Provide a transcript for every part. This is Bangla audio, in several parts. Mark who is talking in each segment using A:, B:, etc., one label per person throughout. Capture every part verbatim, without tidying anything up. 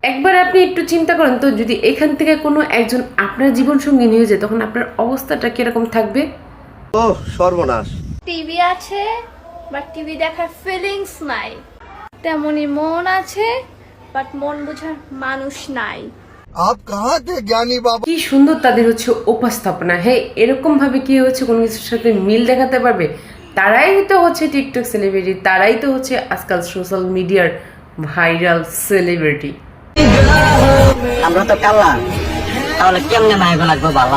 A: একবার আপনি একটু চিন্তা করেন তো, যদি এখান থেকে কোনো একজন আপনার জীবন সঙ্গী নিয়ে যায় তখন আপনার অবস্থাটা কিরকম থাকবে?
B: ও সর্বনাশ।
C: টিভি আছে বাট টিভি দেখার ফিলিংস নাই, তেমনি মন আছে বাট মন বোঝার মানুষ নাই।
B: আপ কাহা তে জ্ঞানী বাবা।
A: কি সুন্দর তাদের হচ্ছে উপস্থাপনা। হ্যাঁ, এরকম ভাবে কি হচ্ছে কোনো কিছুর সাথে মিল দেখাতে পারবে, তারাই তো হচ্ছে টিকটক সেলিব্রিটি, তারাই তো হচ্ছে আজকাল সোশ্যাল মিডিয়ার ভাইরাল সেলিব্রিটি।
D: আমরা তো কালা, তাহলে কেমনে মাইগো লাগবো বালা?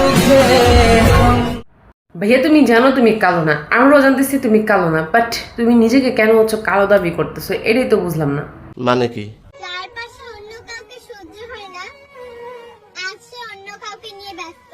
A: ভাইয়া তুমি জানো তুমি কালো না, আমরাও জানতেছি তুমি কালো না, বাট তুমি নিজেকে কেন হচ্ছে কালো দাবি করতেছো, এটাই তো বুঝলাম না।
B: মানে কি?
E: চারপাশে অন্য কাউকে সহ্য হয় না, আজ সে অন্য কাউকে নিয়ে ব্যস্ত।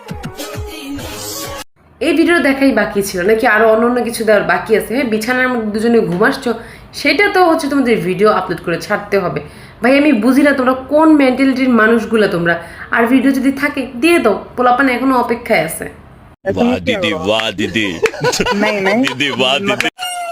A: এই ভিডিও দেখাই বাকি ছিল নাকি আরো অন্য অন্য কিছু দেওয়ার বাকি আছে? হ্যাঁ, বিছানার মধ্যে দুজনে ঘুমাসছো, সেটা তো হচ্ছে তোমাদের ভিডিও আপলোড করে ছাড়তে হবে। ভাই আমি বুঝি না তোমরা কোন মেন্টালিটির মানুষগুলো তোমরা। আর ভিডিও যদি থাকে দিয়ে দাও, পোলাপান এখনো অপেক্ষায় আছে।
F: वाह दीदी वाह दीदी
D: नहीं नहीं
F: दीदी वाह दीदी।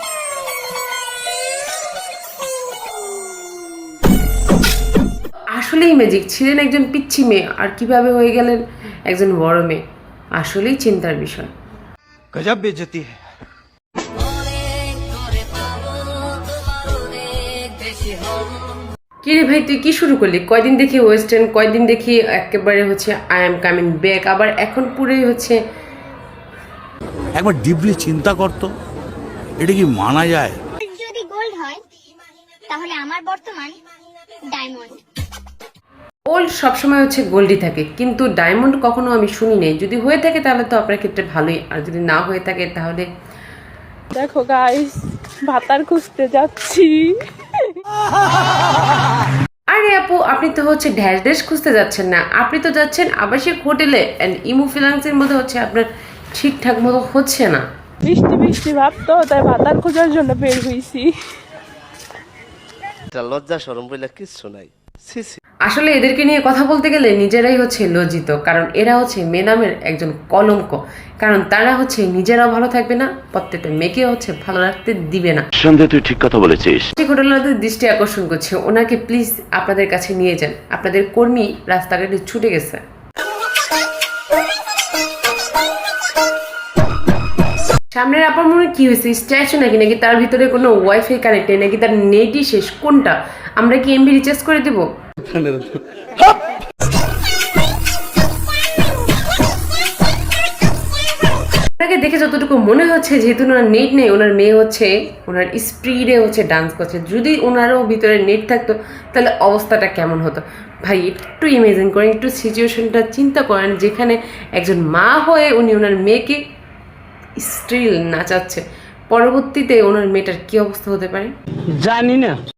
A: আসলেই ম্যাজিক, ছিলেন একজন পিচ্ছি মেয়ে আর কিভাবে হয়ে গেলেন একজন বড় মেয়ে, আসলেই চিন্তার বিষয়।
B: গজব বেজতি है।
A: কি রে ভাই তুই কি শুরু করলি? কয়দিন দেখি ওয়েস্টার্ন, কয়দিন দেখি একেবারে হচ্ছে আই এম কামিং ব্যাক, আবার এখন পুরোই হচ্ছে।
G: একবার ডিপলি চিন্তা করতো, এটা কি মানা যায়?
E: যদি গোল্ড হয় তাহলে আমার বর্তমান ডায়মন্ড।
A: ওল্ড সবসময় হচ্ছে গোল্ডই থাকে, কিন্তু ডায়মন্ড কখনো আমি শুনি নাই। যদি হয়ে থাকে তাহলে তো আপনার ক্ষেত্রে ভালোই, আর যদি না হয়ে থাকে তাহলে
H: দেখো গাইস, ভাতার খুঁজতে যাচ্ছি।
A: আরে আপু, আপনি তো হচ্ছে ড্যাশ ড্যাশ খুঁজতে যাচ্ছেন না, আপনি তো যাচ্ছেন আবাসিক হোটেলে। অ্যান্ড ইমো ফিনান্সের মধ্যে হচ্ছে আপনার ঠিকঠাক মতো হচ্ছে না।
H: বৃষ্টি বৃষ্টি ভাবতো, তাই ভাতার খোঁজার জন্য বের হইছি।
B: এটা লজ্জা শরম বলে কিচ্ছু নাই। সি সি।
A: আসলে এদেরকে নিয়ে কথা বলতে গেলে নিজেরাই হচ্ছে লজ্জিত, কারণ এরা হচ্ছে মেয়ে নামের একজন কলঙ্ক। কারণ তারা হচ্ছে নিজেরাও ভালো থাকবে না, প্রত্যেকটা মেয়েকে হচ্ছে ভালো রাখতে দিবে না।
F: সন্দেহ তুই ঠিক কথা বলেছিস।
A: ঘটনাদের দৃষ্টি আকর্ষণ করছে, ওনাকে প্লিজ আপনাদের কাছে নিয়ে যান। আপনাদের কর্মী রাস্তাঘাটে ছুটে গেছে। সামনের আপনার মনে কি হয়েছে? স্ট্যাচু নাকি নাকি তার ভিতরে কোনো ওয়াইফাই কানেক্ট নেই, নাকি তার নেটই শেষ? কোনটা? আমরা কি এমবি রিচার্জ করে দেব? তাকে দেখে যতটুকু মনে হচ্ছে, যেহেতু ওনার নেট নেই, ওনার মেয়ে হচ্ছে ওনার স্পিডে হচ্ছে ডান্স করছে। যদি ওনারও ভিতরে নেট থাকতো তাহলে অবস্থাটা কেমন হতো? ভাই একটু ইমেজিন করেন, একটু সিচুয়েশনটা চিন্তা করেন, যেখানে একজন মা হয়ে উনি ওনার মেয়েকে স্টিল নাচাচ্ছে, পরবর্তীতে ওনার মেয়েটার কি অবস্থা হতে পারে
D: জানি না।